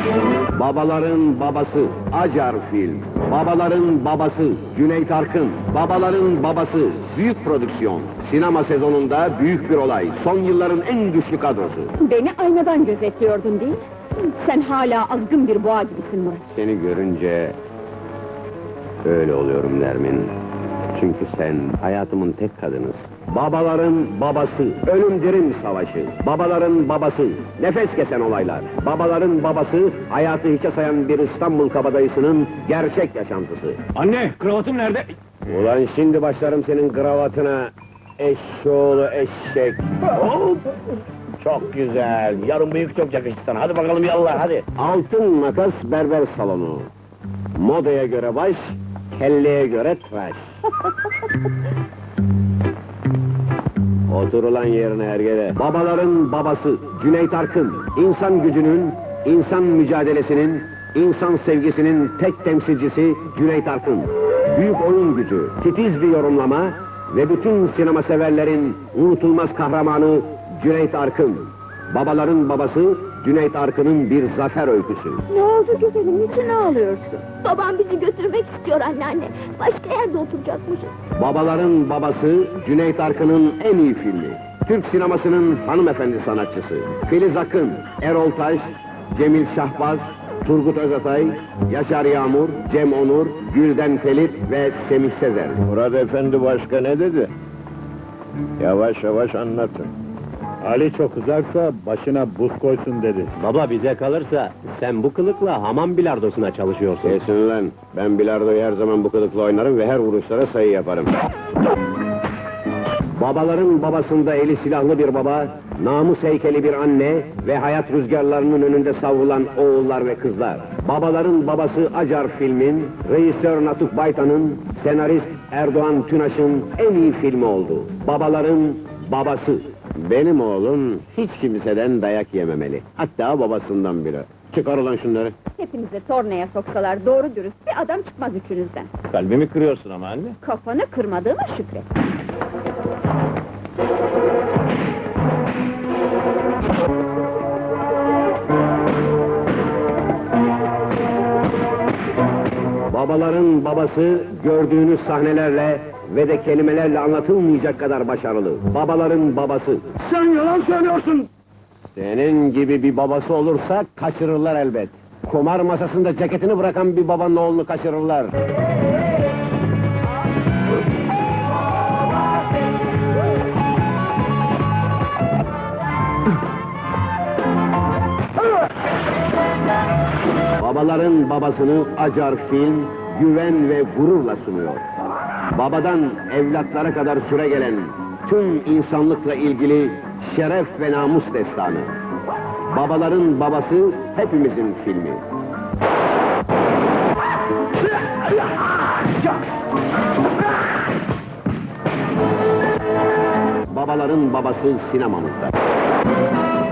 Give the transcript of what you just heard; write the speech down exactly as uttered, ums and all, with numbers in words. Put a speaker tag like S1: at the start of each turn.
S1: Babaların babası Acar Film. Babaların babası Cüneyt Arkın. Babaların babası büyük prodüksiyon. Sinema sezonunda büyük bir olay. Son yılların en güçlü kadrosu.
S2: Beni aynadan gözetliyordun değil mi? Sen hala azgın bir boğa gibisin Murat.
S1: Seni görünce öyle oluyorum Nermin. Çünkü sen hayatımın tek kadınısın. Babaların babası, ölüm dirim savaşı. Babaların babası, nefes kesen olaylar. Babaların babası, hayatı hiçe sayan bir İstanbul kabadayısının gerçek yaşantısı.
S3: Anne, kravatım nerede?
S1: Ulan şimdi başlarım senin kravatına, eşşoğlu eşek. Hop! Çok güzel, yarın bıyık çok yakıştı sana. Hadi bakalım yallah, hadi. Altın makas berber salonu. Modaya göre baş, kelleye göre tıraş. Otur ulan yerine hergele. Babaların babası Cüneyt Arkın, insan gücünün, insan mücadelesinin, insan sevgisinin tek temsilcisi Cüneyt Arkın. Büyük oyun gücü, titiz bir yorumlama ve bütün sinema severlerin unutulmaz kahramanı Cüneyt Arkın. Babaların babası Cüneyt Arkın'ın bir zafer öyküsü.
S2: Ne oldu güzelim, niçin ağlıyorsun?
S4: Babam bizi götürmek istiyor anneanne. Başka yerde oturacakmışız.
S1: Babaların babası Cüneyt Arkın'ın en iyi filmi. Türk sinemasının hanımefendi sanatçısı. Filiz Akın, Erol Taş, Cemil Şahbaz, Turgut Özatay, Yaşar Yağmur, Cem Onur, Gülden Felit ve Semih Sezer.
S5: Murat Efendi başka ne dedi? Yavaş yavaş anlatın.
S3: Ali çok kızarsa başına buz koysun dedi.
S6: Baba bize kalırsa sen bu kılıkla hamam bilardosuna çalışıyorsun.
S1: Kesin lan, ben bilardoyu her zaman bu kılıkla oynarım ve her vuruşlara sayı yaparım. Babaların babasında eli silahlı bir baba, namus heykeli bir anne ve hayat rüzgarlarının önünde savrulan oğullar ve kızlar. Babaların babası Acar Film'in, rejisör Natuk Baytan'ın, senarist Erdoğan Tünaş'ın en iyi filmi oldu. Babaların babası. Benim oğlum hiç kimseden dayak yememeli. Hatta babasından bile. Çıkar ulan şunları.
S2: Hepinize tornaya soksalar doğru dürüst bir adam çıkmaz üçünüzden.
S3: Kalbimi kırıyorsun ama anne.
S2: Kafanı kırmadığıma şükret.
S1: Babaların babası gördüğünüz sahnelerle ve de kelimelerle anlatılmayacak kadar başarılı. Babaların babası.
S3: Sen yalan söylüyorsun!
S1: Senin gibi bir babası olursa kaçırırlar elbet. Kumar masasında ceketini bırakan bir babanın oğlunu kaçırırlar. Babaların babasını Acar Film güven ve gururla sunuyor. Babadan evlatlara kadar süregelen tüm insanlıkla ilgili şeref ve namus destanı. Babaların babası hepimizin filmi. Babaların babası sinemamızda.